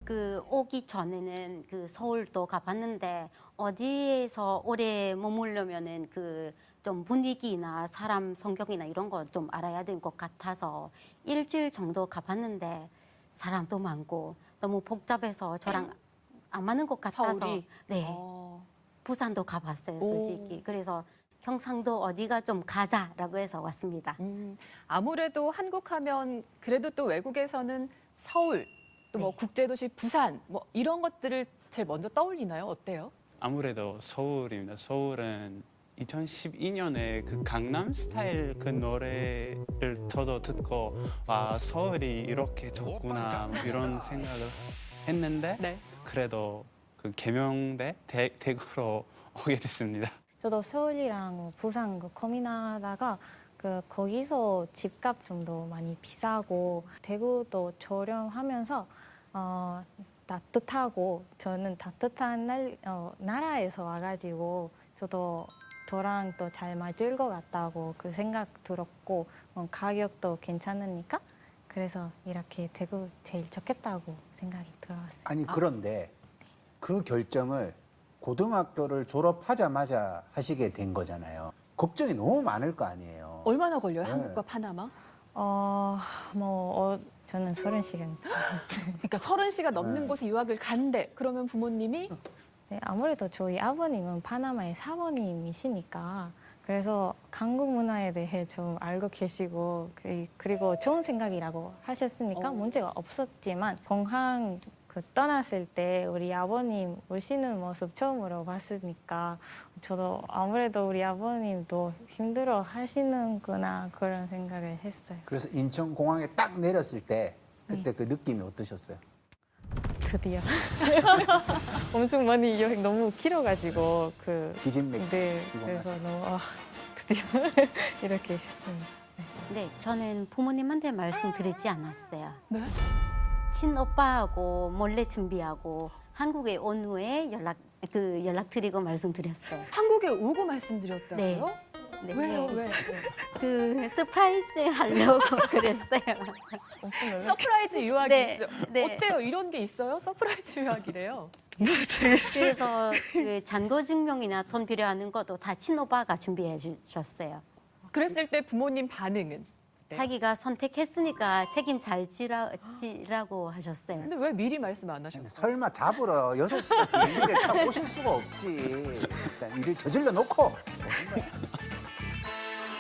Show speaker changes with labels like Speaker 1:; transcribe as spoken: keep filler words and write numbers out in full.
Speaker 1: 그 오기 전에는 그 서울도 가봤는데 어디에서 오래 머물려면은 그 좀 분위기나 사람 성격이나 이런 거 좀 알아야 될 것 같아서 일주일 정도 가봤는데 사람도 많고 너무 복잡해서 저랑 안 맞는 것 같아서
Speaker 2: 서울이?
Speaker 1: 네
Speaker 2: 어.
Speaker 1: 부산도 가봤어요
Speaker 2: 오.
Speaker 1: 솔직히. 그래서 경상도 어디가 좀 가자라고 해서 왔습니다.
Speaker 2: 음, 아무래도 한국 하면 그래도 또 외국에서는 서울, 또 뭐
Speaker 1: 네.
Speaker 2: 국제도시 부산, 뭐 이런 것들을 제일 먼저 떠올리나요? 어때요?
Speaker 3: 아무래도 서울입니다. 서울은 이천십이 년에 그 강남 스타일 그 노래를 저도 듣고 와 서울이 이렇게 좋구나 뭐 이런 생각을 했는데
Speaker 2: 네.
Speaker 3: 그래도 그 개명대 대, 대구로 오게 됐습니다.
Speaker 4: 저도 서울이랑 부산 그 고민하다가 그 거기서 집값 좀더 많이 비싸고 대구도 저렴하면서 어, 따뜻하고 저는 따뜻한 날, 어, 나라에서 와가지고 저도 저랑 또 잘 맞을 것 같다고 그 생각 들었고 어, 가격도 괜찮으니까 그래서 이렇게 대구 제일 좋겠다고 생각이 들어왔어요.
Speaker 5: 아니 그런데 그 결정을 고등학교를 졸업하자마자 하시게 된 거잖아요. 걱정이 너무 많을 거 아니에요.
Speaker 2: 얼마나 걸려요?
Speaker 5: 네.
Speaker 2: 한국과 파나마?
Speaker 4: 어, 뭐 어, 저는 서른 시간.
Speaker 2: 그러니까 서른 시가 넘는
Speaker 5: 네.
Speaker 2: 곳에 유학을 간대. 그러면 부모님이
Speaker 4: 네, 아무래도 저희 아버님은 파나마의 사모님이시니까 그래서 한국 문화에 대해 좀 알고 계시고 그- 그리고 좋은 생각이라고 하셨으니까
Speaker 2: 어.
Speaker 4: 문제가 없었지만 공항 그 떠났을 때 우리 아버님 오시는 모습 처음으로 봤으니까 저도 아무래도 우리 아버님도 힘들어 하시는구나 그런 생각을 했어요.
Speaker 5: 그래서 인천 공항에 딱 내렸을 때 그때 그 느낌이 어떠셨어요?
Speaker 4: 드디어 엄청 많이 여행 너무 길어가지고 그
Speaker 5: 기진맥
Speaker 4: 네,
Speaker 5: 이거
Speaker 4: 그래서
Speaker 5: 맞아요.
Speaker 4: 너무 아, 드디어 이렇게 했습니다.
Speaker 1: 네, 저는 부모님한테 말씀드리지 않았어요.
Speaker 2: 네?
Speaker 1: 친오빠하고 몰래 준비하고 한국에 온 후에 연락 그 연락드리고 말씀드렸어요.
Speaker 2: 한국에 오고 말씀드렸다고요?
Speaker 1: 네.
Speaker 2: 왜요? 왜?
Speaker 1: 그 서프라이즈 하려고 그랬어요.
Speaker 4: 엄청 놀랐
Speaker 2: 서프라이즈 유학이
Speaker 1: 네,
Speaker 2: 있어요.
Speaker 1: 네.
Speaker 2: 어때요? 이런 게 있어요? 서프라이즈 유학이래요.
Speaker 1: 그래서 그 잔고 증명이나 돈 필요하는 것도 다 친오빠가 준비해 주셨어요.
Speaker 2: 그랬을 때 부모님 반응은? 네.
Speaker 1: 자기가 선택했으니까 책임 잘 지라, 지라고 하셨어요.
Speaker 2: 근데 왜 미리 말씀 안
Speaker 5: 근데
Speaker 2: 하셨어요?
Speaker 5: 설마 잡으러 여섯 시간 비행기를 타고 오실 수가 없지. 일단 일을 저질러 놓고 오신 거야.